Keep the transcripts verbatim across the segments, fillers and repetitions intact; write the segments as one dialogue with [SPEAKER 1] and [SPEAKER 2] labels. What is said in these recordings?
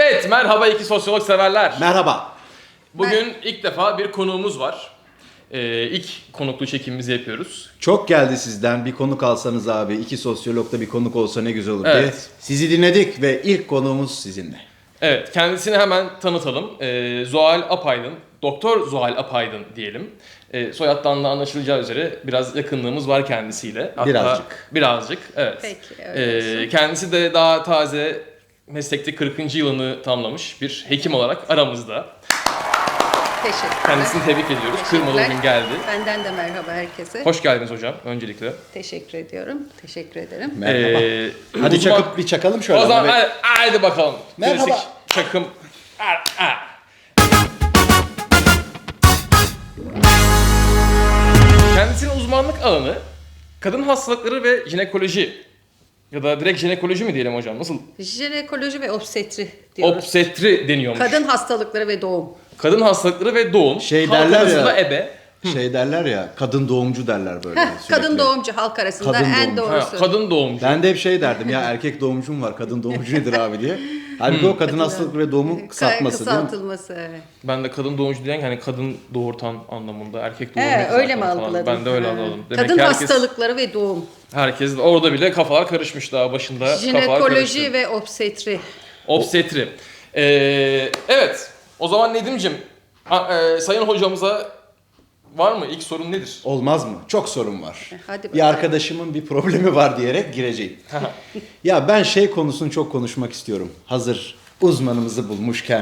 [SPEAKER 1] Evet, merhaba iki sosyolog severler.
[SPEAKER 2] Merhaba.
[SPEAKER 1] Bugün ilk defa bir konuğumuz var. Ee, ilk konuklu çekimimizi yapıyoruz.
[SPEAKER 2] Çok geldi sizden bir konuk alsanız abi. İki sosyologda bir konuk olsa ne güzel olur diye.
[SPEAKER 1] Evet.
[SPEAKER 2] Sizi dinledik ve ilk konuğumuz sizinle.
[SPEAKER 1] Evet, kendisini hemen tanıtalım. Ee, Zuhal Apaydın, Doktor Zuhal Apaydın diyelim. Ee, soyaddan da anlaşılacağı üzere biraz yakınlığımız var kendisiyle. Hatta
[SPEAKER 2] Birazcık.
[SPEAKER 1] Birazcık, evet.
[SPEAKER 3] Peki, öyle
[SPEAKER 1] Ee, kendisi de daha taze meslekte kırkıncı yılını tamamlamış bir hekim olarak aramızda.
[SPEAKER 3] Teşekkürler.
[SPEAKER 1] Kendisini tebrik ediyoruz. Kırmadı
[SPEAKER 3] Teşekkürler.
[SPEAKER 1] bugün geldi.
[SPEAKER 3] Benden de merhaba herkese.
[SPEAKER 1] Hoş geldiniz hocam öncelikle.
[SPEAKER 3] Teşekkür ediyorum. Teşekkür ederim.
[SPEAKER 2] Merhaba.
[SPEAKER 1] Ee,
[SPEAKER 2] Hadi
[SPEAKER 1] uzman-
[SPEAKER 2] çakıp bir çakalım şöyle.
[SPEAKER 1] O zaman
[SPEAKER 2] abi.
[SPEAKER 1] hadi, haydi bakalım.
[SPEAKER 2] Merhaba.
[SPEAKER 1] Klasik çakım. Ah, ah. Kendisinin uzmanlık alanı kadın hastalıkları ve jinekoloji. Ya da direkt jinekoloji mi diyelim hocam? Nasıl?
[SPEAKER 3] Jinekoloji ve obstetri diyoruz.
[SPEAKER 1] Obstetri deniyormuş.
[SPEAKER 3] Kadın hastalıkları ve doğum.
[SPEAKER 1] Kadın hastalıkları ve doğum.
[SPEAKER 2] Şey
[SPEAKER 1] Halk
[SPEAKER 2] derler
[SPEAKER 1] arasında
[SPEAKER 2] ya.
[SPEAKER 1] ebe.
[SPEAKER 2] Şey derler ya, kadın doğumcu derler böyle.
[SPEAKER 3] Heh,
[SPEAKER 2] sürekli.
[SPEAKER 3] kadın doğumcu halk arasında
[SPEAKER 2] Kadın
[SPEAKER 3] en
[SPEAKER 2] doğumcu.
[SPEAKER 1] Ha,
[SPEAKER 3] doğrusu.
[SPEAKER 1] kadın doğumcu.
[SPEAKER 2] Ben de hep şey derdim ya, erkek doğumcum var, kadın doğumcu nedir abi diye. Halbuki o kadın hastalıkları ve doğumun
[SPEAKER 3] Ka-
[SPEAKER 2] kısaltması değil mi?
[SPEAKER 3] Kısaltılması, evet.
[SPEAKER 1] Ben de kadın doğumcu diyen hani kadın doğurtan anlamında, erkek
[SPEAKER 3] He,
[SPEAKER 1] doğurmak
[SPEAKER 3] öyle mi
[SPEAKER 1] zaten falan.
[SPEAKER 3] algıladın?
[SPEAKER 1] Ben de öyle
[SPEAKER 3] Ha.
[SPEAKER 1] anladım. Demek
[SPEAKER 3] Kadın
[SPEAKER 1] ki herkes,
[SPEAKER 3] hastalıkları ve doğum.
[SPEAKER 1] herkes orada bile kafalar karışmış daha başında. kafalar
[SPEAKER 3] Jinekoloji
[SPEAKER 1] karıştı.
[SPEAKER 3] ve obstetri.
[SPEAKER 1] Obstetri. Ee, evet. O zaman Nedim'cim, a- e, sayın hocamıza var mı? İlk sorun nedir?
[SPEAKER 2] Olmaz mı? Çok sorun var.
[SPEAKER 3] Hadi
[SPEAKER 2] Bir
[SPEAKER 3] bakalım.
[SPEAKER 2] arkadaşımın bir problemi var diyerek gireceğim. Ya ben şey konusunu çok konuşmak istiyorum. Hazır uzmanımızı bulmuşken.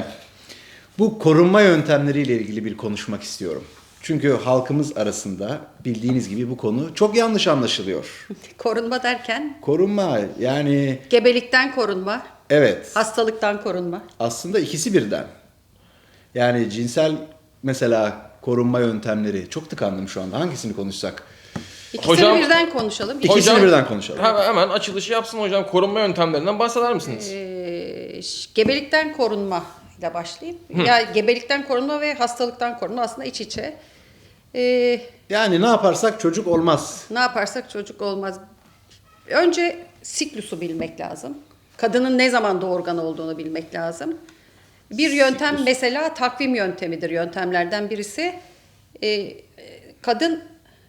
[SPEAKER 2] Bu korunma yöntemleriyle ilgili bir konuşmak istiyorum. Çünkü halkımız arasında bildiğiniz gibi bu konu çok yanlış anlaşılıyor.
[SPEAKER 3] Korunma derken
[SPEAKER 2] Korunma yani
[SPEAKER 3] gebelikten korunma,
[SPEAKER 2] evet
[SPEAKER 3] hastalıktan korunma.
[SPEAKER 2] aslında ikisi birden. Yani cinsel mesela korunma yöntemleri çok tıkandım şu anda. Hangisini konuşsak?
[SPEAKER 3] İkisini
[SPEAKER 1] Hocam-
[SPEAKER 3] birden konuşalım.
[SPEAKER 2] İkisini
[SPEAKER 1] Hocam-
[SPEAKER 2] birden konuşalım.
[SPEAKER 1] Hemen, hemen açılışı yapsın hocam. Korunma yöntemlerinden bahseder misiniz?
[SPEAKER 3] Ee, ş- gebelikten korunma ile başlayayım. Ya gebelikten korunma ve hastalıktan korunma aslında iç içe. Ee,
[SPEAKER 2] Yani ne yaparsak çocuk olmaz.
[SPEAKER 3] ne yaparsak çocuk olmaz. Önce siklusu bilmek lazım. Kadının ne zaman doğurgan olduğunu bilmek lazım. Bir yöntem
[SPEAKER 2] Siklus.
[SPEAKER 3] mesela takvim yöntemidir yöntemlerden birisi. Ee, kadın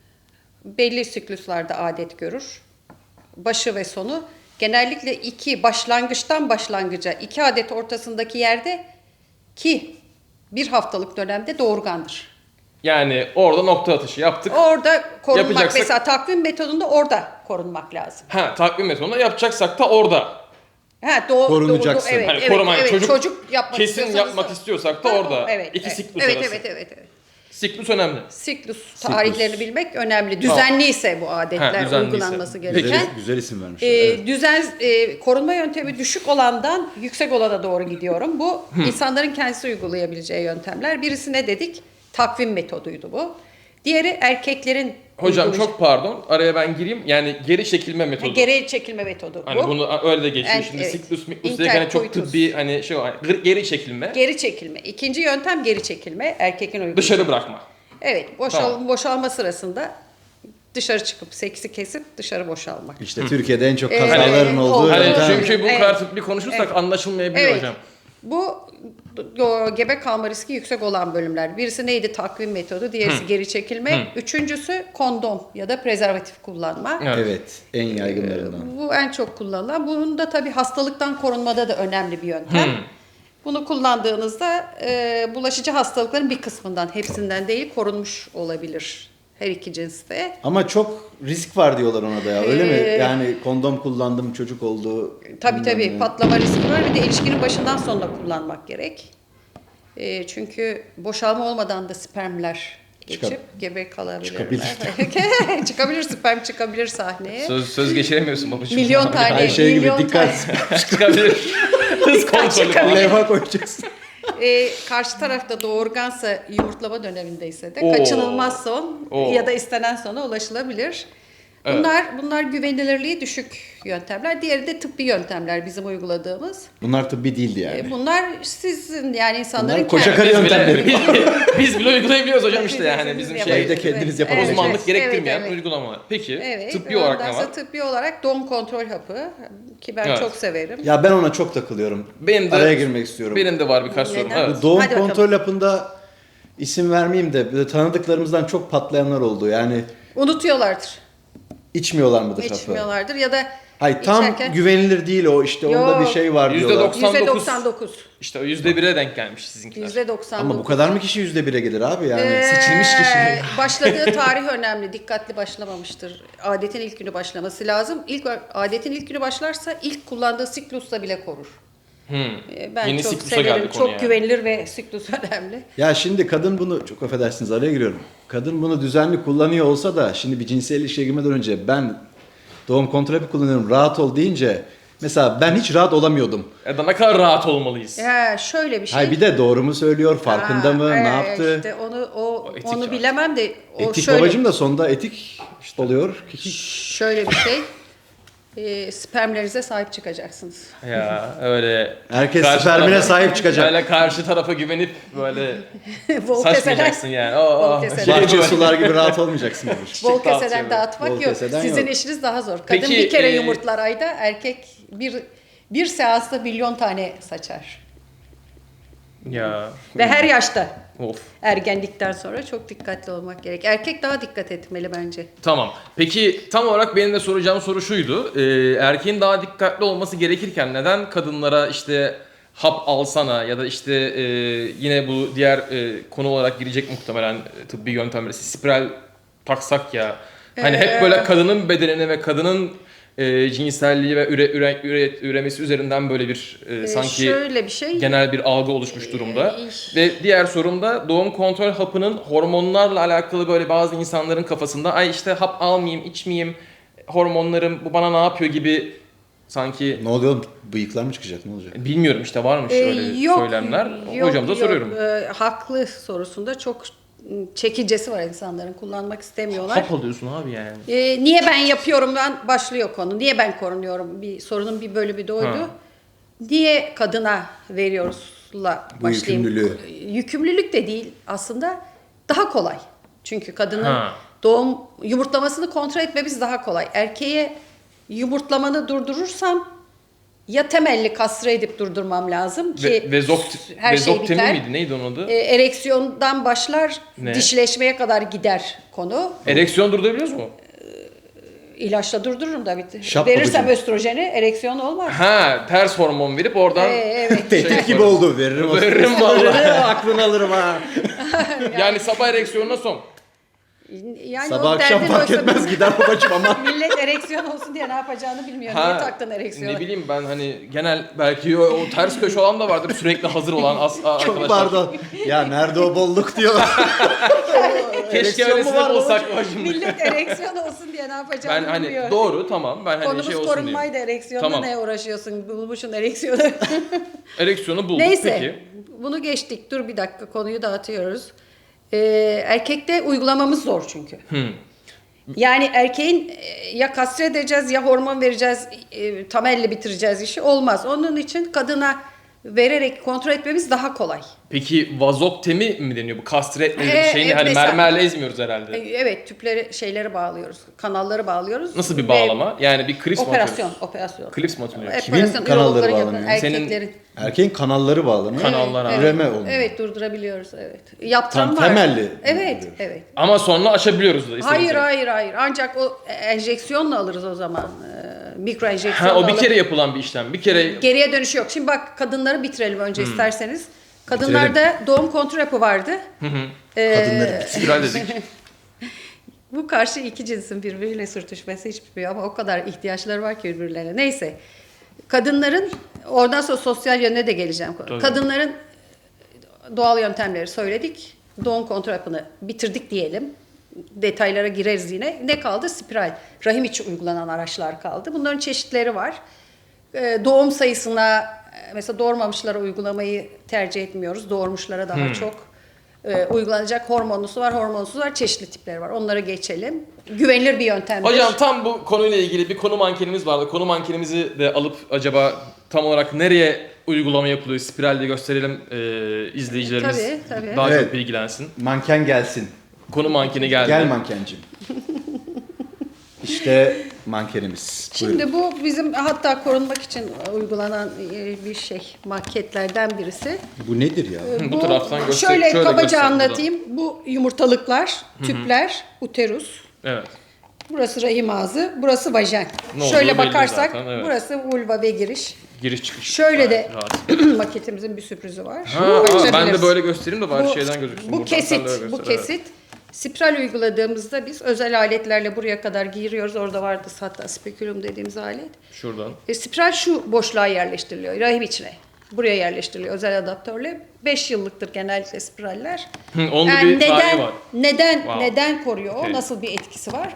[SPEAKER 3] belli sikluslarda adet görür. Başı ve sonu. Genellikle iki başlangıçtan başlangıca iki adet ortasındaki yerde ki bir haftalık dönemde doğurgandır.
[SPEAKER 1] Yani orada nokta atışı yaptık.
[SPEAKER 3] Orada korunmak
[SPEAKER 1] Yapacaksak-
[SPEAKER 3] mesela takvim metodunda orada korunmak lazım.
[SPEAKER 1] Ha, takvim metodunda yapacaksak da orada.
[SPEAKER 3] Ha, doğ,
[SPEAKER 2] Korunacaksın.
[SPEAKER 3] doğ- evet,
[SPEAKER 1] Hani
[SPEAKER 3] evet,
[SPEAKER 1] koruma,
[SPEAKER 3] evet.
[SPEAKER 1] çocuk
[SPEAKER 3] Çocuk, yapmak
[SPEAKER 1] kesin
[SPEAKER 3] istiyorsanız
[SPEAKER 1] yapmak
[SPEAKER 3] da-
[SPEAKER 1] istiyorsak da
[SPEAKER 3] Ha,
[SPEAKER 1] orada.
[SPEAKER 3] Evet,
[SPEAKER 1] İki
[SPEAKER 3] evet.
[SPEAKER 1] siklus
[SPEAKER 3] evet,
[SPEAKER 1] arası.
[SPEAKER 3] evet, evet, evet.
[SPEAKER 1] Siklus önemli.
[SPEAKER 3] Siklus tarihlerini bilmek önemli.
[SPEAKER 1] Tamam.
[SPEAKER 3] Düzenliyse bu adetler
[SPEAKER 1] Ha, düzenliyse.
[SPEAKER 3] uygulanması
[SPEAKER 1] Peki.
[SPEAKER 3] gereken.
[SPEAKER 2] Güzel, güzel isim vermişler.
[SPEAKER 3] Ee,
[SPEAKER 2] evet.
[SPEAKER 3] Düzen e, korunma yöntemi düşük olandan yüksek olana doğru gidiyorum. Bu insanların kendisi uygulayabileceği yöntemler. Birisi ne dedik? Takvim metoduydu bu. Diğeri erkeklerin
[SPEAKER 1] Hocam
[SPEAKER 3] uygulayacağı-
[SPEAKER 1] çok pardon. Araya ben gireyim. Yani geri çekilme metodu.
[SPEAKER 3] geri çekilme metodu
[SPEAKER 1] Hani
[SPEAKER 3] bu.
[SPEAKER 1] bunu öyle de geçiyor.
[SPEAKER 3] En-
[SPEAKER 1] Şimdi
[SPEAKER 3] evet.
[SPEAKER 1] siklus miklus diye hani çok
[SPEAKER 3] Intercoitus.
[SPEAKER 1] tıbbi hani şey var. Gır- Geri çekilme.
[SPEAKER 3] Geri çekilme. İkinci yöntem geri çekilme. Erkekin uygulayacağı.
[SPEAKER 1] Dışarı bırakma.
[SPEAKER 3] Evet, boşal,
[SPEAKER 1] Tamam.
[SPEAKER 3] boşalma sırasında dışarı çıkıp seksi kesip dışarı boşalmak.
[SPEAKER 2] İşte Türkiye'de en çok
[SPEAKER 3] Ee,
[SPEAKER 2] kazaların
[SPEAKER 3] hani-
[SPEAKER 2] olduğu
[SPEAKER 1] Hani
[SPEAKER 3] Evet.
[SPEAKER 2] yöntem.
[SPEAKER 1] çünkü bu
[SPEAKER 3] Evet.
[SPEAKER 1] kadar tıbbi konuşursak
[SPEAKER 3] Evet.
[SPEAKER 1] anlaşılmayabilir
[SPEAKER 3] Evet.
[SPEAKER 1] hocam.
[SPEAKER 3] Bu o, gebe kalma riski yüksek olan bölümler. Birisi neydi? Takvim metodu, diğerisi geri çekilme. Üçüncüsü kondom ya da prezervatif kullanma.
[SPEAKER 1] Evet.
[SPEAKER 2] Evet, en yaygınlarından.
[SPEAKER 3] Bu en çok kullanılan. Bunun da tabii hastalıktan korunmada da önemli bir yöntem. Bunu kullandığınızda e, bulaşıcı hastalıkların bir kısmından, hepsinden değil korunmuş olabilir her iki cinste.
[SPEAKER 2] Ama çok risk var diyorlar ona da ya. Öyle mi?
[SPEAKER 3] Ee,
[SPEAKER 2] Yani kondom kullandım, çocuk oldu.
[SPEAKER 3] Tabii
[SPEAKER 2] bilmem
[SPEAKER 3] tabii
[SPEAKER 2] ne.
[SPEAKER 3] patlama riski var. Bir de ilişkinin başından sonuna kullanmak gerek. E, çünkü boşalma olmadan da spermler geçip
[SPEAKER 2] Çıkar-
[SPEAKER 3] gebe kalabilirler.
[SPEAKER 2] Çıkabilir.
[SPEAKER 3] çıkabilir sperm çıkabilir sahneye.
[SPEAKER 1] Söz söz geçiremiyorsun babacığım.
[SPEAKER 3] Milyon tane.
[SPEAKER 2] Her şey gibi
[SPEAKER 3] milyon
[SPEAKER 2] dikkat.
[SPEAKER 1] Çıkabilir. Hız kontrolü falan.
[SPEAKER 2] Levha koyacaksın.
[SPEAKER 3] E, karşı tarafta doğurgansa yumurtlama dönemindeyse de
[SPEAKER 1] Oo.
[SPEAKER 3] kaçınılmaz son
[SPEAKER 1] Oo.
[SPEAKER 3] ya da istenen sona ulaşılabilir.
[SPEAKER 1] Evet.
[SPEAKER 3] Bunlar bunlar güvenilirliği düşük yöntemler. Diğeri de tıbbi yöntemler bizim uyguladığımız.
[SPEAKER 2] Bunlar tıbbi değildi yani.
[SPEAKER 3] E, Bunlar sizin yani insanların
[SPEAKER 2] Bunlar koca
[SPEAKER 3] kendi-
[SPEAKER 2] karı
[SPEAKER 1] Biz
[SPEAKER 2] yöntemleri.
[SPEAKER 1] bile, biz, biz bile uygulayabiliyoruz hocam işte
[SPEAKER 3] Biz-
[SPEAKER 1] yani
[SPEAKER 3] biz
[SPEAKER 1] bizim
[SPEAKER 3] yapıyoruz.
[SPEAKER 1] şey
[SPEAKER 2] Evde kendiniz
[SPEAKER 3] Evet,
[SPEAKER 2] yapabilirsiniz.
[SPEAKER 1] uzmanlık
[SPEAKER 3] evet,
[SPEAKER 1] gerektirmeyen
[SPEAKER 3] evet.
[SPEAKER 1] uygulamalar. Peki
[SPEAKER 3] Evet,
[SPEAKER 1] tıbbi olarak
[SPEAKER 3] ondan
[SPEAKER 1] ne
[SPEAKER 3] sonra
[SPEAKER 1] var?
[SPEAKER 3] tıbbi olarak doğum kontrol hapı ki ben
[SPEAKER 1] Evet.
[SPEAKER 3] çok severim.
[SPEAKER 2] Ya ben ona çok takılıyorum.
[SPEAKER 1] Benim de,
[SPEAKER 2] Araya girmek istiyorum.
[SPEAKER 1] Benim de var birkaç sorum.
[SPEAKER 3] Neden?
[SPEAKER 1] Evet.
[SPEAKER 2] Bu doğum
[SPEAKER 3] Hadi bakalım.
[SPEAKER 2] kontrol hapında isim vermeyeyim de böyle tanıdıklarımızdan çok patlayanlar oldu. Yani
[SPEAKER 3] Unutuyorlardır.
[SPEAKER 2] içmiyorlar mıdır hapı?
[SPEAKER 3] İçmiyorlardır ya da
[SPEAKER 2] Hayır tam
[SPEAKER 3] içerken-
[SPEAKER 2] güvenilir değil o işte onda
[SPEAKER 3] Yok.
[SPEAKER 2] bir şey var
[SPEAKER 1] Yüzde
[SPEAKER 2] diyorlar.
[SPEAKER 1] doksan.
[SPEAKER 3] yüzde doksan dokuz.
[SPEAKER 1] İşte o yüzde bire denk gelmiş sizinkiler.
[SPEAKER 3] yüzde doksan dokuz.
[SPEAKER 2] Ama bu kadar mı kişi yüzde bire gelir abi yani?
[SPEAKER 3] Ee,
[SPEAKER 1] seçilmiş kişi.
[SPEAKER 3] Başladığı tarih önemli. Dikkatli başlamamıştır. Adetin ilk günü başlaması lazım. İlk adetin ilk günü başlarsa ilk kullandığı siklusla bile korur.
[SPEAKER 1] Hmm.
[SPEAKER 3] Ee, Ben
[SPEAKER 1] Yeni
[SPEAKER 3] çok
[SPEAKER 1] siklusa
[SPEAKER 3] severim.
[SPEAKER 1] geldik
[SPEAKER 3] Çok
[SPEAKER 1] konu yani.
[SPEAKER 3] güvenilir ve siklus önemli.
[SPEAKER 2] Ya şimdi kadın bunu çok affedersiniz araya giriyorum. Kadın bunu düzenli kullanıyor olsa da şimdi bir cinsel ilişkiye girmeden önce ben doğum kontrol hapı kullanıyorum rahat ol deyince mesela ben hiç rahat olamıyordum.
[SPEAKER 1] Ya da ne kadar rahat olmalıyız.
[SPEAKER 3] Ya şöyle bir şey.
[SPEAKER 2] Hay bir de doğru mu söylüyor farkında
[SPEAKER 3] Ha,
[SPEAKER 2] mı ne
[SPEAKER 3] evet,
[SPEAKER 2] yaptı?
[SPEAKER 3] işte onu o,
[SPEAKER 1] O etik
[SPEAKER 3] onu
[SPEAKER 1] ya.
[SPEAKER 3] bilemem de o
[SPEAKER 2] Etik
[SPEAKER 3] şöyle
[SPEAKER 2] babacım da sonunda etik oluyor.
[SPEAKER 3] şöyle bir şey. E, spermlerinize sahip çıkacaksınız.
[SPEAKER 1] Ya öyle.
[SPEAKER 2] Herkes
[SPEAKER 1] karşı
[SPEAKER 2] spermine
[SPEAKER 1] tarafa-
[SPEAKER 2] sahip çıkacak.
[SPEAKER 1] Öyle karşı tarafa güvenip böyle
[SPEAKER 3] Bol
[SPEAKER 1] saçmayacaksın yani. Oo,
[SPEAKER 3] Bol
[SPEAKER 1] şey
[SPEAKER 3] keseler.
[SPEAKER 2] Bahçe
[SPEAKER 1] böyle.
[SPEAKER 2] sular gibi rahat olmayacaksın babuş.
[SPEAKER 3] Bol
[SPEAKER 1] dağıtıyor
[SPEAKER 3] keseden
[SPEAKER 1] böyle.
[SPEAKER 3] dağıtmak
[SPEAKER 2] Bol
[SPEAKER 3] yok.
[SPEAKER 2] keseden
[SPEAKER 3] Sizin
[SPEAKER 2] yok.
[SPEAKER 3] işiniz daha zor. Kadın
[SPEAKER 1] Peki,
[SPEAKER 3] bir kere
[SPEAKER 1] e,
[SPEAKER 3] yumurtlar ayda, erkek bir bir seansta milyon tane saçar.
[SPEAKER 1] Ya.
[SPEAKER 3] Ve her yaşta.
[SPEAKER 1] Of.
[SPEAKER 3] Ergenlikten sonra çok dikkatli olmak gerek. Erkek daha dikkat etmeli bence.
[SPEAKER 1] Tamam. Peki tam olarak benim de soracağım soru şuydu. Ee, erkeğin daha dikkatli olması gerekirken neden kadınlara işte hap alsana ya da işte e, yine bu diğer e, konu olarak girecek muhtemelen e, tıbbi yöntemleri spiral taksak ya. Hani hep böyle kadının bedenine ve kadının e, cinselliği ve üre, üre, üre- üremesi üzerinden böyle bir e,
[SPEAKER 3] Ee,
[SPEAKER 1] sanki
[SPEAKER 3] şöyle bir şey.
[SPEAKER 1] genel bir algı oluşmuş durumda.
[SPEAKER 3] Ee,
[SPEAKER 1] Ve diğer sorum da doğum kontrol hapının hormonlarla alakalı böyle bazı insanların kafasında ay işte hap almayayım, içmeyeyim, hormonlarım bu bana ne yapıyor gibi sanki
[SPEAKER 2] Ne oluyor? Bıyıklar mı çıkacak? Ne olacak?
[SPEAKER 1] bilmiyorum işte varmış
[SPEAKER 3] Ee,
[SPEAKER 1] öyle
[SPEAKER 3] yok,
[SPEAKER 1] söylemler.
[SPEAKER 3] yok,
[SPEAKER 1] Hocamıza
[SPEAKER 3] yok.
[SPEAKER 1] soruyorum.
[SPEAKER 3] Ee, haklı sorusunda çok çekicesi var insanların. Kullanmak istemiyorlar.
[SPEAKER 1] Hap alıyorsun abi yani.
[SPEAKER 3] Ee, niye ben yapıyorumdan başlıyor konu. Niye ben korunuyorum? Bir sorunun bir bölümü de oydu.
[SPEAKER 1] Ha.
[SPEAKER 3] Niye kadına veriyoruzla
[SPEAKER 2] Bu
[SPEAKER 3] başlayayım.
[SPEAKER 2] yükümlülüğü.
[SPEAKER 3] Yükümlülük de değil aslında daha kolay. Çünkü kadının
[SPEAKER 1] Ha.
[SPEAKER 3] doğum yumurtlamasını kontrol etmemiz daha kolay. Erkeğe yumurtlamanı durdurursam ya temelli kastre edip durdurmam lazım ki
[SPEAKER 1] Ve, vezok,
[SPEAKER 3] her şey
[SPEAKER 1] vezoktemi
[SPEAKER 3] biter.
[SPEAKER 1] miydi? Neydi onun adı?
[SPEAKER 3] E, ereksiyondan başlar,
[SPEAKER 1] Ne?
[SPEAKER 3] dişleşmeye kadar gider konu.
[SPEAKER 1] Ereksiyon durdurabiliyoruz mu?
[SPEAKER 3] İlaçla durdururum da bitti.
[SPEAKER 2] Şap
[SPEAKER 3] Verirsem
[SPEAKER 2] babacığım.
[SPEAKER 3] östrojeni ereksiyon olmaz.
[SPEAKER 1] Ha, ters hormon verip oradan
[SPEAKER 3] Ee, evet.
[SPEAKER 2] Tehdit
[SPEAKER 1] Şey
[SPEAKER 2] gibi
[SPEAKER 1] yaparım.
[SPEAKER 2] oldu. Veririm.
[SPEAKER 1] Veririm vallahi.
[SPEAKER 2] Aklını alırım ha.
[SPEAKER 1] Yani sabah ereksiyonuna son.
[SPEAKER 3] Yani
[SPEAKER 2] Sabah
[SPEAKER 3] o
[SPEAKER 2] akşam
[SPEAKER 3] derdin
[SPEAKER 2] fark
[SPEAKER 3] oysa
[SPEAKER 2] etmez gider babacım ama.
[SPEAKER 3] millet ereksiyon olsun diye ne yapacağını bilmiyor. Niye taktın ereksiyonu?
[SPEAKER 1] Ne bileyim ben hani genel belki o, o ters köşe olan da vardır sürekli hazır olan as, a-
[SPEAKER 2] Çok
[SPEAKER 1] arkadaşlar.
[SPEAKER 2] pardon. Ya nerede o bolluk diyorlar.
[SPEAKER 1] Keşke
[SPEAKER 2] Ereksiyon mu
[SPEAKER 1] öylesine
[SPEAKER 2] var
[SPEAKER 1] bulsak bacım.
[SPEAKER 3] Millet ereksiyon olsun diye ne yapacağını
[SPEAKER 1] Ben hani
[SPEAKER 3] bilmiyor.
[SPEAKER 1] doğru tamam ben hani
[SPEAKER 3] Konumuz
[SPEAKER 1] şey olsun diyeyim.
[SPEAKER 3] korunmaydı, ereksiyonla
[SPEAKER 1] Tamam.
[SPEAKER 3] ne uğraşıyorsun? Bulmuşsun ereksiyonu.
[SPEAKER 1] Ereksiyonu bulduk
[SPEAKER 3] Neyse,
[SPEAKER 1] peki.
[SPEAKER 3] bunu geçtik. Dur bir dakika, konuyu dağıtıyoruz. Ee, erkekte uygulamamız zor çünkü.
[SPEAKER 1] Hmm.
[SPEAKER 3] Yani erkeğin e, ya kastre edeceğiz ya hormon vereceğiz, e, tam elle bitireceğiz işi olmaz. Onun için kadına vererek kontrol etmemiz daha kolay.
[SPEAKER 1] Peki vazoktemi mi deniyor bu kastre etme
[SPEAKER 3] Ee,
[SPEAKER 1] şeyini
[SPEAKER 3] e,
[SPEAKER 1] hani
[SPEAKER 3] mesela-
[SPEAKER 1] mermerle ezmiyoruz herhalde.
[SPEAKER 3] E, Evet, tüpleri şeyleri bağlıyoruz, kanalları bağlıyoruz.
[SPEAKER 1] Nasıl bir
[SPEAKER 3] Ve
[SPEAKER 1] bağlama? Yani bir klips mi
[SPEAKER 3] Operasyon,
[SPEAKER 1] atıyoruz?
[SPEAKER 3] operasyon.
[SPEAKER 1] Klips mi atılıyor?
[SPEAKER 2] Kimin
[SPEAKER 3] Operasyon,
[SPEAKER 2] kanalları
[SPEAKER 3] ürologların yapan,
[SPEAKER 2] bağlanıyor?
[SPEAKER 1] Senin-
[SPEAKER 3] Erkeklerin.
[SPEAKER 2] Erkeğin kanalları bağlanıyor.
[SPEAKER 1] Kanallar abi.
[SPEAKER 2] Üreme olmuyor.
[SPEAKER 3] Evet, durdurabiliyoruz, evet. Yaptıran
[SPEAKER 2] Tam
[SPEAKER 3] var.
[SPEAKER 2] temelli
[SPEAKER 3] Evet,
[SPEAKER 2] durduruyor.
[SPEAKER 3] evet.
[SPEAKER 1] Ama sonra aşabiliyoruz da istediğimiz
[SPEAKER 3] Hayır,
[SPEAKER 1] yere.
[SPEAKER 3] hayır, hayır. Ancak o enjeksiyonla alırız o zaman. Ee, mikro enjeksiyonla
[SPEAKER 1] Ha o bir
[SPEAKER 3] alırız.
[SPEAKER 1] kere yapılan bir işlem. Bir kere
[SPEAKER 3] Geriye dönüş yok. Şimdi bak, kadınları bitirelim önce isterseniz. Kadınlarda doğum kontrol hapı vardı. Ee,
[SPEAKER 2] Kadınları.
[SPEAKER 1] spiral dedik.
[SPEAKER 3] Bu karşı iki cinsin birbiriyle sürtüşmesi hiç bitmiyor ama o kadar ihtiyaçları var ki birbirlerine. Neyse. Kadınların, oradan sonra sosyal yönüne de geleceğim.
[SPEAKER 1] Tabii.
[SPEAKER 3] Kadınların doğal yöntemleri söyledik. Doğum kontrol hapını bitirdik diyelim. Detaylara gireriz yine. Ne kaldı? Spiral. Rahim içi uygulanan araçlar kaldı. Bunların çeşitleri var. Ee, doğum sayısına, mesela doğurmamışlara uygulamayı tercih etmiyoruz. Doğurmuşlara daha çok. e, uygulanacak. Hormonlusu var, hormonsuz var, çeşitli tipleri var. Onları geçelim. Güvenilir bir yöntemdir.
[SPEAKER 1] Hocam tam bu konuyla ilgili bir konu mankenimiz vardı. Konu mankenimizi de alıp acaba tam olarak nereye uygulama yapılıyor? Spiralde gösterelim e, izleyicilerimiz
[SPEAKER 3] Tabii, tabii.
[SPEAKER 1] daha
[SPEAKER 2] Evet.
[SPEAKER 1] çok bilgilensin.
[SPEAKER 2] Manken gelsin.
[SPEAKER 1] Konu mankeni geldi.
[SPEAKER 2] Gel mankencim. İşte mankenimiz. Buyurun.
[SPEAKER 3] Şimdi bu bizim hatta korunmak için uygulanan e, bir şey, maketlerden birisi.
[SPEAKER 2] Bu nedir ya?
[SPEAKER 1] Hı, bu taraftan göster-
[SPEAKER 3] Şöyle,
[SPEAKER 1] şöyle
[SPEAKER 3] kabaca
[SPEAKER 1] göster buradan.
[SPEAKER 3] anlatayım. Bu yumurtalıklar, tüpler, uterus.
[SPEAKER 1] Evet.
[SPEAKER 3] Burası rahim ağzı, burası vajen.
[SPEAKER 1] Ne olduğu
[SPEAKER 3] Şöyle
[SPEAKER 1] belli
[SPEAKER 3] bakarsak
[SPEAKER 1] zaten, evet.
[SPEAKER 3] burası vulva ve giriş.
[SPEAKER 1] Giriş çıkış.
[SPEAKER 3] Şöyle de
[SPEAKER 1] Rahat.
[SPEAKER 3] maketimizin bir sürprizi var.
[SPEAKER 1] Ha, aa, ben de
[SPEAKER 3] Açabiliriz.
[SPEAKER 1] böyle göstereyim de bari
[SPEAKER 3] Bu-
[SPEAKER 1] şeyden gözüksün.
[SPEAKER 3] Bu
[SPEAKER 1] buradan.
[SPEAKER 3] kesit,
[SPEAKER 1] Sen de öyle
[SPEAKER 3] bu
[SPEAKER 1] göster, evet.
[SPEAKER 3] kesit. Spiral uyguladığımızda biz özel aletlerle buraya kadar giriyoruz. Orada vardı hatta spekülum dediğimiz alet.
[SPEAKER 1] Şuradan.
[SPEAKER 3] E, spiral şu boşluğa yerleştiriliyor, rahim içine. Buraya yerleştiriliyor özel adaptörle. beş yıllıktır genellikle spiraller.
[SPEAKER 1] Hı, onun da
[SPEAKER 3] Yani
[SPEAKER 1] bir tarihi
[SPEAKER 3] neden
[SPEAKER 1] var.
[SPEAKER 3] neden
[SPEAKER 1] Wow.
[SPEAKER 3] neden koruyor? O
[SPEAKER 1] Okey.
[SPEAKER 3] nasıl bir etkisi var?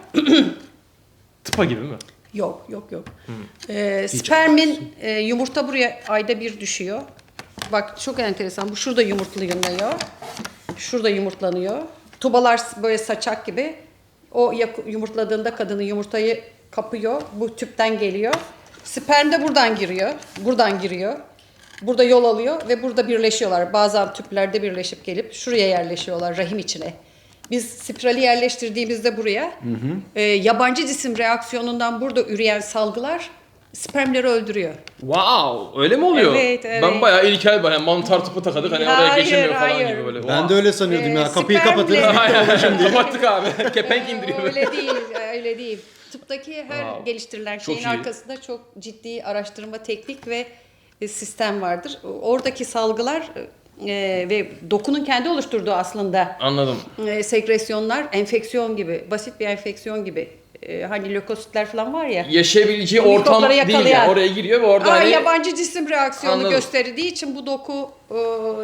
[SPEAKER 1] Tıpa gibi mi?
[SPEAKER 3] Yok, yok, yok. Ee, spermin e, yumurta buraya ayda bir düşüyor. Bak çok enteresan. Bu şurada yumurtlanıyor. Şurada yumurtlanıyor. Tubalar böyle saçak gibi. O yak- yumurtladığında kadının yumurtayı kapıyor. Bu tüpten geliyor. Sperm de buradan giriyor. Buradan giriyor. Burada yol alıyor ve burada birleşiyorlar. Bazen tüplerde birleşip gelip şuraya yerleşiyorlar rahim içine. Biz spirali yerleştirdiğimizde buraya e, yabancı cisim reaksiyonundan burada üreyen salgılar spermleri öldürüyor.
[SPEAKER 1] Wow, öyle mi oluyor?
[SPEAKER 3] Evet, evet.
[SPEAKER 1] Ben bayağı ilkel ben yani mantar tıpı takadık hani oraya
[SPEAKER 3] Hayır,
[SPEAKER 1] geçemiyor falan
[SPEAKER 3] hayır.
[SPEAKER 1] gibi böyle.
[SPEAKER 2] Ben de öyle sanıyordum
[SPEAKER 3] Ee,
[SPEAKER 2] ya. Kapıyı
[SPEAKER 3] spermle-
[SPEAKER 2] kapatırız.
[SPEAKER 1] Kapattık abi. Kepenk indiriyor.
[SPEAKER 3] Öyle değil, öyle değil. Tıptaki her
[SPEAKER 1] Wow.
[SPEAKER 3] geliştirilen
[SPEAKER 1] Çok
[SPEAKER 3] şeyin
[SPEAKER 1] iyi.
[SPEAKER 3] arkasında çok ciddi araştırma, teknik ve e, sistem vardır. Oradaki salgılar e, ve dokunun kendi oluşturduğu aslında
[SPEAKER 1] Anladım.
[SPEAKER 3] e, sekresyonlar enfeksiyon gibi, basit bir enfeksiyon gibi. E, hani lökositler falan var ya.
[SPEAKER 1] Yaşayabileceği
[SPEAKER 3] Bu
[SPEAKER 1] ortam
[SPEAKER 3] mikropları
[SPEAKER 1] değil
[SPEAKER 3] yakalayan.
[SPEAKER 1] yani. Oraya giriyor ve orada
[SPEAKER 3] Aa,
[SPEAKER 1] hani
[SPEAKER 3] yabancı cisim reaksiyonu
[SPEAKER 1] Anladım.
[SPEAKER 3] gösterdiği için bu doku e,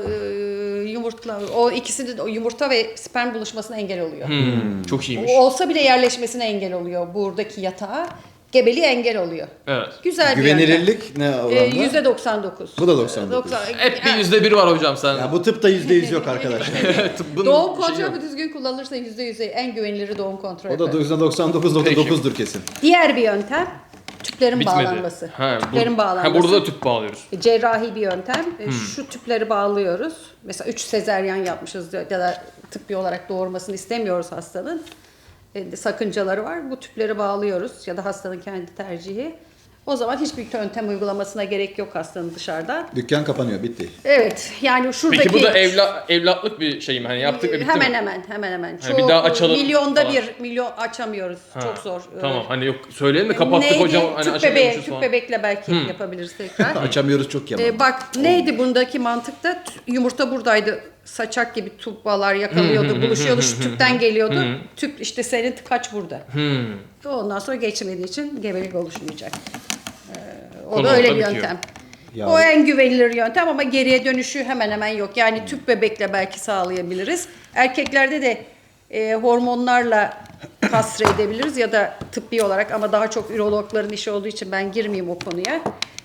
[SPEAKER 3] e, yumurtla o ikisinin o yumurta ve sperm buluşmasına engel oluyor.
[SPEAKER 1] Hmm, çok iyiymiş.
[SPEAKER 3] O olsa bile yerleşmesine engel oluyor buradaki yatağa. Gebeliğe engel oluyor.
[SPEAKER 1] Evet.
[SPEAKER 3] Güzel bir yöntem.
[SPEAKER 2] Güvenilirlik ne
[SPEAKER 3] Ee,
[SPEAKER 2] oranda?
[SPEAKER 3] yüzde doksan dokuz.
[SPEAKER 2] Bu da doksan dokuz.
[SPEAKER 1] Hep bir yüzde bir var hocam sen.
[SPEAKER 2] Ya bu tıpta yüzde yüz yok arkadaşlar.
[SPEAKER 1] Tıbbın
[SPEAKER 3] Doğum
[SPEAKER 1] şeyi
[SPEAKER 3] kontrolü
[SPEAKER 1] yok.
[SPEAKER 3] düzgün kullanılırsa yüzde yüze en güveniliri doğum kontrolü.
[SPEAKER 2] O da yüzde doksan dokuz nokta
[SPEAKER 1] Peki.
[SPEAKER 2] dokuzdur kesin.
[SPEAKER 3] Diğer bir yöntem tüplerin
[SPEAKER 1] Bitmedi.
[SPEAKER 3] bağlanması.
[SPEAKER 1] Ha, bu,
[SPEAKER 3] tüplerin bağlanması.
[SPEAKER 1] ha, burada da tüp bağlıyoruz.
[SPEAKER 3] Cerrahi bir yöntem. E,
[SPEAKER 1] Hmm.
[SPEAKER 3] Şu tüpleri bağlıyoruz. Mesela üç sezeryan yapmışız ya da tıbbi olarak doğurmasını istemiyoruz hastanın. E, sakıncaları var. Bu tüpleri bağlıyoruz ya da hastanın kendi tercihi. O zaman hiçbir yöntem uygulamasına gerek yok hastanın dışarıdan.
[SPEAKER 2] Dükkan kapanıyor bitti.
[SPEAKER 3] Evet yani şuradaki...
[SPEAKER 1] Peki bu da evla, evlatlık bir şey mi? Hani yaptık ve bitti
[SPEAKER 3] hemen
[SPEAKER 1] mi?
[SPEAKER 3] hemen hemen hemen.
[SPEAKER 1] Hani bir daha açalım
[SPEAKER 3] Milyonda
[SPEAKER 1] falan.
[SPEAKER 3] bir milyon açamıyoruz.
[SPEAKER 1] Ha,
[SPEAKER 3] Çok zor.
[SPEAKER 1] Tamam hani yok söyleyelim de kapattık
[SPEAKER 3] Neydi?
[SPEAKER 1] hocam hani
[SPEAKER 3] tüp, bebeği,
[SPEAKER 1] açamıyormuşuz
[SPEAKER 3] tüp
[SPEAKER 1] falan.
[SPEAKER 3] bebekle belki yapabiliriz tekrar.
[SPEAKER 2] Açamıyoruz çok yaman.
[SPEAKER 3] Ee, bak neydi bundaki mantıkta? T- Yumurta buradaydı. Saçak gibi tubalar yakalıyordu, buluşuyordu, şu tüpten geliyordu. Tüp işte senin tıkaç burada.
[SPEAKER 1] Hmm.
[SPEAKER 3] Ondan sonra geçmediği için gebelik oluşmayacak. Ee, o
[SPEAKER 1] Konu
[SPEAKER 3] da öyle
[SPEAKER 1] orada
[SPEAKER 3] bir
[SPEAKER 1] bitiyor.
[SPEAKER 3] yöntem.
[SPEAKER 2] Ya-
[SPEAKER 3] O en güvenilir yöntem ama geriye dönüşü hemen hemen yok. Yani tüp bebekle belki sağlayabiliriz. Erkeklerde de e, hormonlarla kastre edebiliriz ya da tıbbi olarak ama daha çok ürologların işi olduğu için ben girmeyeyim o konuya.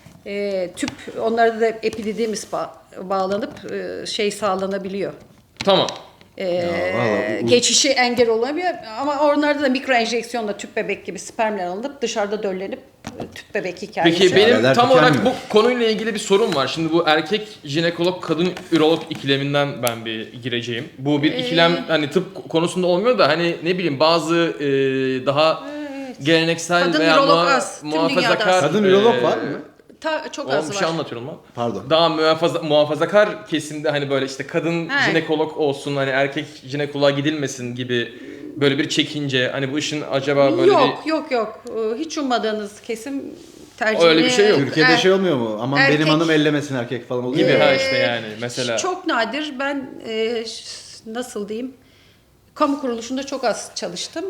[SPEAKER 3] E, tüp onlarda da epididimis ba- bağlanıp e, şey sağlanabiliyor.
[SPEAKER 1] Tamam.
[SPEAKER 3] E,
[SPEAKER 2] vallahi bu-
[SPEAKER 3] geçişi engel olamıyor ama onlarda da mikro enjeksiyonla tüp bebek gibi spermler alınıp dışarıda döllenip e, tüp bebek hikayesi.
[SPEAKER 1] Peki benim
[SPEAKER 2] Neler
[SPEAKER 1] tam olarak bu
[SPEAKER 2] tükenmiyor.
[SPEAKER 1] konuyla ilgili bir sorum var. Şimdi bu erkek jinekolog kadın ürolog ikileminden ben bir gireceğim. Bu bir ikilem hani tıp konusunda olmuyor da hani ne bileyim bazı e, daha geleneksel
[SPEAKER 3] Kadın
[SPEAKER 1] veya
[SPEAKER 3] ürolog
[SPEAKER 1] muha-
[SPEAKER 3] az, tüm dünyada
[SPEAKER 1] muhafazakar
[SPEAKER 3] az.
[SPEAKER 2] Kadın ürolog var mı?
[SPEAKER 3] Ta, çok
[SPEAKER 1] Oğlum
[SPEAKER 3] az
[SPEAKER 1] bir
[SPEAKER 3] var.
[SPEAKER 1] şey anlatıyorum lan.
[SPEAKER 2] Pardon.
[SPEAKER 1] Daha muhafaza, muhafazakar kesimde hani böyle işte kadın
[SPEAKER 3] He.
[SPEAKER 1] jinekolog olsun hani erkek jinekoloğa gidilmesin gibi böyle bir çekince hani bu işin acaba böyle
[SPEAKER 3] Yok yok yok. Ee, Hiç ummadığınız kesim tercihini...
[SPEAKER 1] Öyle bir şey yok.
[SPEAKER 2] Türkiye'de
[SPEAKER 3] Er-
[SPEAKER 2] şey olmuyor mu? Aman
[SPEAKER 3] erkek-
[SPEAKER 2] benim hanım ellemesin erkek falan
[SPEAKER 1] bir
[SPEAKER 2] oluyor.
[SPEAKER 1] gibi
[SPEAKER 2] ya.
[SPEAKER 1] ha işte yani mesela.
[SPEAKER 3] Çok nadir. Ben e, ş- nasıl diyeyim? Kamu kuruluşunda çok az çalıştım.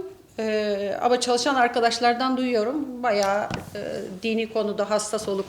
[SPEAKER 3] E, ama çalışan arkadaşlardan duyuyorum. Bayağı e, dini konuda hassas olup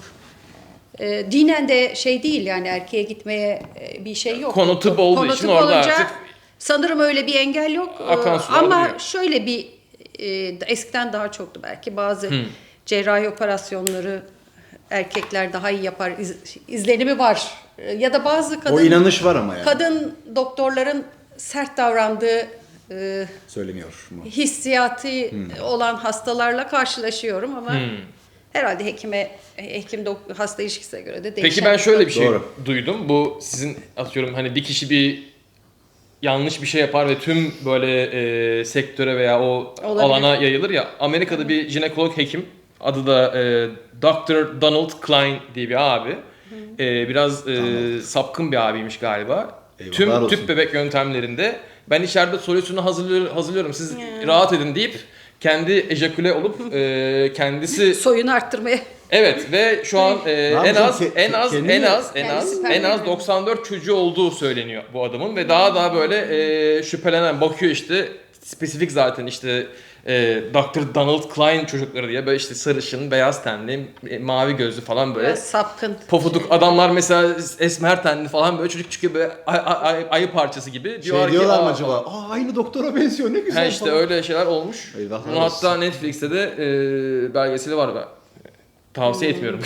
[SPEAKER 3] e, dinen de şey değil yani erkeğe gitmeye e, bir şey yok.
[SPEAKER 1] Konu tıp olduğu
[SPEAKER 3] Konu
[SPEAKER 1] için
[SPEAKER 3] tıp
[SPEAKER 1] orada
[SPEAKER 3] olunca
[SPEAKER 1] artık
[SPEAKER 3] sanırım öyle bir engel yok.
[SPEAKER 1] akan
[SPEAKER 3] E,
[SPEAKER 1] sular
[SPEAKER 3] ama
[SPEAKER 1] duruyor.
[SPEAKER 3] şöyle bir e, eskiden daha çoktu belki bazı cerrahi operasyonları erkekler daha iyi yapar iz- izlenimi var. E, Ya da bazı kadın
[SPEAKER 2] O inanış var ama yani.
[SPEAKER 3] kadın doktorların sert davrandığı e,
[SPEAKER 2] Söyleniyor mu?
[SPEAKER 3] hissiyatı olan hastalarla karşılaşıyorum ama herhalde hekime hekim dok- hasta ilişkisine göre de değişen.
[SPEAKER 1] Peki ben şöyle bir şey
[SPEAKER 2] Doğru.
[SPEAKER 1] duydum. Bu sizin atıyorum hani bir kişi bir yanlış bir şey yapar ve tüm böyle e, sektöre veya o
[SPEAKER 3] Olabilir.
[SPEAKER 1] alana yayılır ya. Amerika'da bir jinekolog hekim, adı da e, doktor Donald Klein diye bir abi. E, biraz e, sapkın bir abiymiş galiba.
[SPEAKER 2] Eyvallah
[SPEAKER 1] Tüm
[SPEAKER 2] olsun.
[SPEAKER 1] tüp bebek yöntemlerinde ben içeride solüsyonu hazırlıyorum, hazırlıyorum. Siz rahat edin deyip kendi ejaküle olup e, kendisi
[SPEAKER 3] Soyunu arttırmaya.
[SPEAKER 1] evet ve şu an e, en
[SPEAKER 2] yapacağım?
[SPEAKER 1] az
[SPEAKER 2] Ke-
[SPEAKER 1] en az
[SPEAKER 2] kendini-
[SPEAKER 1] en az en
[SPEAKER 3] Kendisi
[SPEAKER 1] az
[SPEAKER 3] perde
[SPEAKER 1] en az
[SPEAKER 3] yapıyor.
[SPEAKER 1] doksan dört çocuğu olduğu söyleniyor bu adamın ve daha daha böyle e, şüphelenen bakıyor işte spesifik zaten işte e, doktor Donald Klein çocukları diye böyle işte sarışın, beyaz tenli, e, mavi gözlü falan böyle
[SPEAKER 3] Biraz sapkın.
[SPEAKER 1] pofuduk adamlar mesela esmer tenli falan böyle çocuk çıkıyor böyle ay, ay, ay- ayı parçası gibi.
[SPEAKER 2] Şey
[SPEAKER 1] Diyorlar ki,
[SPEAKER 2] diyorlar mı
[SPEAKER 1] "Aa,"
[SPEAKER 2] acaba?
[SPEAKER 1] falan.
[SPEAKER 2] Aa aynı doktora benziyor ne güzel
[SPEAKER 1] Ha işte
[SPEAKER 2] falan.
[SPEAKER 1] öyle şeyler olmuş.
[SPEAKER 2] Eyvahlar
[SPEAKER 1] Bunun
[SPEAKER 2] olsun.
[SPEAKER 1] hatta Netflix'te de e, belgeseli var ben. Tavsiye etmiyorum.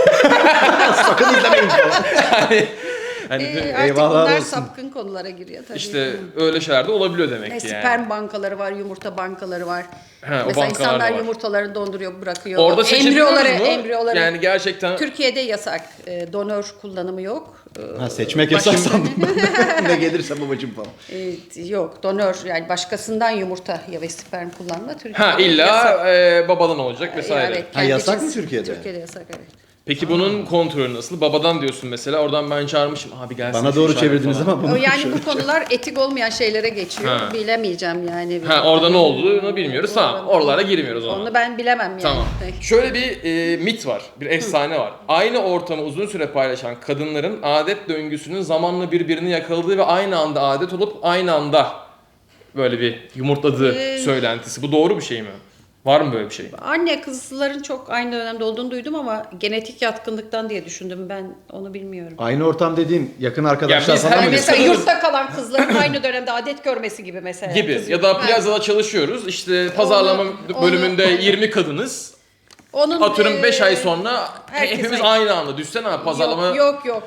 [SPEAKER 2] Sakın izlemeyin falan.
[SPEAKER 1] hani hani
[SPEAKER 3] Ee, artık
[SPEAKER 2] Eyvahlar
[SPEAKER 3] bunlar
[SPEAKER 2] olsun.
[SPEAKER 3] sapkın konulara giriyor tabii.
[SPEAKER 1] İşte öyle şeyler de olabiliyor demek
[SPEAKER 3] E,
[SPEAKER 1] ki yani.
[SPEAKER 3] sperm bankaları var, yumurta bankaları var.
[SPEAKER 1] He, o
[SPEAKER 3] Mesela
[SPEAKER 1] bankalar da
[SPEAKER 3] insanlar
[SPEAKER 1] var.
[SPEAKER 3] yumurtalarını donduruyor, bırakıyor.
[SPEAKER 1] Orada seçebiliyoruz
[SPEAKER 3] embriyoları,
[SPEAKER 1] mu?
[SPEAKER 3] embriyoları.
[SPEAKER 1] Yani gerçekten
[SPEAKER 3] Türkiye'de yasak. E, donör kullanımı yok. E,
[SPEAKER 2] Ha, seçmek
[SPEAKER 3] başka-
[SPEAKER 2] yasak sandım ben. Ne gelirse babacım falan.
[SPEAKER 3] E, yok, donör yani başkasından yumurta ya ve sperm kullanma Türkiye'de
[SPEAKER 1] ha illa
[SPEAKER 3] yasak.
[SPEAKER 1] e, babadan olacak vesaire.
[SPEAKER 3] Evet,
[SPEAKER 2] Ha,
[SPEAKER 3] kendi
[SPEAKER 2] yasak
[SPEAKER 3] cins-
[SPEAKER 2] mı Türkiye'de?
[SPEAKER 3] Türkiye'de yasak evet.
[SPEAKER 1] Peki bunun kontrolü nasıl? Babadan diyorsun mesela. Oradan ben çağırmışım. Abi gelsin.
[SPEAKER 2] Bana
[SPEAKER 1] şu
[SPEAKER 2] doğru
[SPEAKER 1] işaret
[SPEAKER 2] çevirdiniz
[SPEAKER 1] falan.
[SPEAKER 2] ama bunu
[SPEAKER 3] O yani
[SPEAKER 2] şöyle-
[SPEAKER 3] bu konular etik olmayan şeylere geçiyor.
[SPEAKER 1] Ha.
[SPEAKER 3] Bilemeyeceğim yani.
[SPEAKER 1] Ha orada ne olduğunu bilmiyoruz. Tamam. Oralara girmiyoruz o zaman.
[SPEAKER 3] Onu ben bilemem yani.
[SPEAKER 1] Tamam. Şöyle bir e, mit var, bir efsane var. Aynı ortamı uzun süre paylaşan kadınların adet döngüsünün zamanla birbirini yakaladığı ve aynı anda adet olup aynı anda böyle bir yumurtladığı
[SPEAKER 3] Ee,
[SPEAKER 1] söylentisi. Bu doğru bir şey mi? Var mı böyle bir şey?
[SPEAKER 3] Anne kızların çok aynı dönemde olduğunu duydum ama genetik yatkınlıktan diye düşündüm. Ben onu bilmiyorum.
[SPEAKER 2] Aynı ortam dediğin yakın arkadaşlar
[SPEAKER 1] Ya biz
[SPEAKER 2] falan
[SPEAKER 1] her
[SPEAKER 2] mı?
[SPEAKER 3] Yani
[SPEAKER 1] biz
[SPEAKER 3] mesela
[SPEAKER 1] sanırız-
[SPEAKER 3] yurtta kalan kızların aynı dönemde adet görmesi gibi mesela.
[SPEAKER 1] Gibi.
[SPEAKER 3] Kız-
[SPEAKER 1] Ya da
[SPEAKER 3] Ha.
[SPEAKER 1] plazada çalışıyoruz. İşte pazarlama
[SPEAKER 3] Onu-
[SPEAKER 1] bölümünde
[SPEAKER 3] onu-
[SPEAKER 1] yirmi kadınız.
[SPEAKER 3] Onun
[SPEAKER 1] Atıyorum beş
[SPEAKER 3] e,
[SPEAKER 1] ay sonra
[SPEAKER 3] herkes
[SPEAKER 1] hepimiz
[SPEAKER 3] aynı.
[SPEAKER 1] aynı anda. Düşsene abi pazarlama
[SPEAKER 3] Yok yok. yok.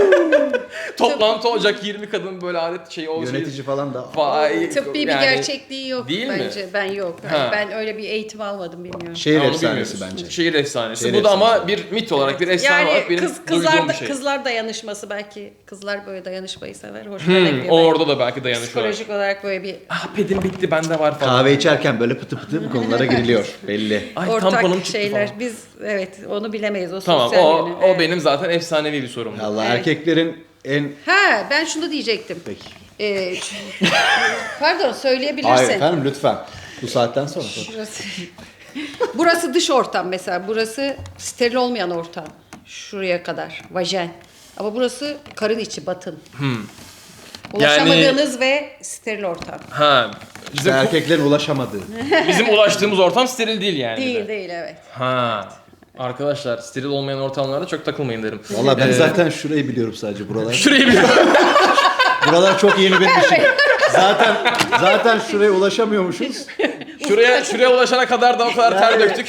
[SPEAKER 1] toplantı olacak yirmi kadın böyle adet şey olacak.
[SPEAKER 2] Yönetici falan da.
[SPEAKER 1] Vay,
[SPEAKER 3] Tıbbi bir
[SPEAKER 1] yani
[SPEAKER 3] gerçekliği yok
[SPEAKER 1] değil mi?
[SPEAKER 3] bence. Ben yok.
[SPEAKER 1] Ha.
[SPEAKER 3] Ben öyle bir eğitim almadım bilmiyorum.
[SPEAKER 2] Şehir
[SPEAKER 1] Ha, onu
[SPEAKER 2] efsanesi
[SPEAKER 1] bilmiyoruz.
[SPEAKER 2] bence.
[SPEAKER 1] Şehir efsanesi.
[SPEAKER 2] Şehir
[SPEAKER 1] Bu da ama
[SPEAKER 2] efsanesi.
[SPEAKER 1] bir mit olarak, bir efsane
[SPEAKER 3] Yani
[SPEAKER 1] olarak benim
[SPEAKER 3] kız, kızlar,
[SPEAKER 1] duyduğum
[SPEAKER 3] da,
[SPEAKER 1] bir şey.
[SPEAKER 3] kızlar dayanışması belki kızlar böyle dayanışmayı sever. Hoşuna gidiyor.
[SPEAKER 1] Hmm, o
[SPEAKER 3] belki.
[SPEAKER 1] orada da belki dayanışıyorlar.
[SPEAKER 3] Psikolojik olarak böyle bir
[SPEAKER 1] Ah pedim bitti bende var falan.
[SPEAKER 2] Kahve içerken böyle pıtı pıtı bu konulara giriliyor belli.
[SPEAKER 1] Ay
[SPEAKER 3] ortak
[SPEAKER 1] tamponum çıktı
[SPEAKER 3] şeyler.
[SPEAKER 1] falan.
[SPEAKER 3] Biz evet onu bilemeyiz. O
[SPEAKER 1] Tamam
[SPEAKER 3] sosyal
[SPEAKER 1] o,
[SPEAKER 3] yönü.
[SPEAKER 1] o
[SPEAKER 3] Evet.
[SPEAKER 1] benim zaten efsanevi bir sorumdu.
[SPEAKER 2] Allah
[SPEAKER 3] Evet.
[SPEAKER 2] erkeklerin en...
[SPEAKER 3] Ha ben şunu diyecektim.
[SPEAKER 2] Peki.
[SPEAKER 3] Ee, pardon söyleyebilirsin.
[SPEAKER 2] Hayır efendim lütfen. Bu saatten sonra.
[SPEAKER 3] Burası, burası dış ortam mesela. Burası steril olmayan ortam. Şuraya kadar. Vajen. Ama burası karın içi, batın. Ulaşamadığınız ve steril ortam.
[SPEAKER 1] Ha
[SPEAKER 2] İşte
[SPEAKER 1] bizim,
[SPEAKER 2] erkeklerin ulaşamadığı.
[SPEAKER 1] bizim ulaştığımız ortam steril değil yani. bir
[SPEAKER 3] Değil
[SPEAKER 1] de.
[SPEAKER 3] değil evet.
[SPEAKER 1] Ha. Arkadaşlar steril olmayan ortamlarda çok takılmayın derim.
[SPEAKER 2] Valla ben
[SPEAKER 1] Ee,
[SPEAKER 2] zaten şurayı biliyorum sadece buralar.
[SPEAKER 1] Şurayı bir
[SPEAKER 2] Buralar çok yeni benim için. Zaten zaten şuraya ulaşamıyormuşuz.
[SPEAKER 1] şuraya şuraya ulaşana kadar da o kadar ter
[SPEAKER 2] Yani-
[SPEAKER 1] döktük.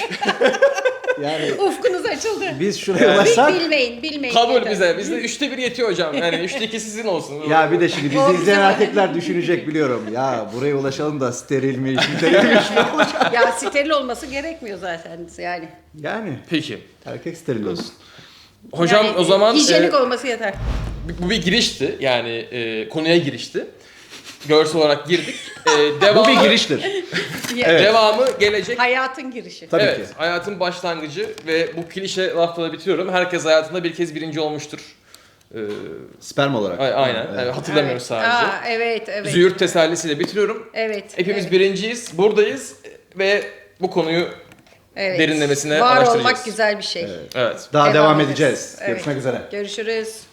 [SPEAKER 2] Yani
[SPEAKER 3] Ufkunuz açıldı.
[SPEAKER 2] biz şuraya
[SPEAKER 1] Yani-
[SPEAKER 2] ulaşsak...
[SPEAKER 3] Bilmeyin, bilmeyin.
[SPEAKER 1] Kabul
[SPEAKER 3] yeter.
[SPEAKER 1] bize. Bizde üçte bir yetiyor hocam. Yani üçte iki sizin olsun.
[SPEAKER 2] Ya bir de şimdi
[SPEAKER 3] O
[SPEAKER 2] bizi
[SPEAKER 3] bize
[SPEAKER 2] izleyen
[SPEAKER 3] var.
[SPEAKER 2] erkekler düşünecek biliyorum. Ya buraya ulaşalım da steril mi, steril mi?
[SPEAKER 3] Ya steril olması gerekmiyor zaten yani.
[SPEAKER 2] Yani
[SPEAKER 1] Peki.
[SPEAKER 2] erkek steril olsun.
[SPEAKER 1] Hocam
[SPEAKER 3] Yani
[SPEAKER 1] o zaman
[SPEAKER 3] hijyenik
[SPEAKER 1] e,
[SPEAKER 3] olması yeter.
[SPEAKER 1] bu bir girişti. Yani e, konuya girişti. Görsel olarak girdik. E,
[SPEAKER 2] Bu
[SPEAKER 1] devamı,
[SPEAKER 2] bir giriştir.
[SPEAKER 1] Evet. Devamı gelecek.
[SPEAKER 3] Hayatın girişi.
[SPEAKER 2] Tabii
[SPEAKER 1] evet,
[SPEAKER 2] ki.
[SPEAKER 1] hayatın başlangıcı ve bu klişe lafla da bitiriyorum. Herkes hayatında bir kez birinci olmuştur. Ee,
[SPEAKER 2] Sperm olarak.
[SPEAKER 1] a- aynen.
[SPEAKER 2] Evet.
[SPEAKER 1] Evet, hatırlamıyorum
[SPEAKER 3] Evet.
[SPEAKER 1] sadece.
[SPEAKER 3] Aa, evet, evet.
[SPEAKER 1] Züğürt tesellisiyle bitiriyorum.
[SPEAKER 3] Evet.
[SPEAKER 1] Hepimiz
[SPEAKER 3] evet,
[SPEAKER 1] birinciyiz, buradayız ve bu konuyu
[SPEAKER 3] evet.
[SPEAKER 1] derinlemesine
[SPEAKER 3] Var
[SPEAKER 1] araştıracağız.
[SPEAKER 3] olmak güzel bir şey.
[SPEAKER 1] evet.
[SPEAKER 2] Daha devam,
[SPEAKER 3] Devam
[SPEAKER 2] edeceğiz.
[SPEAKER 3] edeceğiz. Evet.
[SPEAKER 2] Görüşmek üzere.
[SPEAKER 3] Görüşürüz.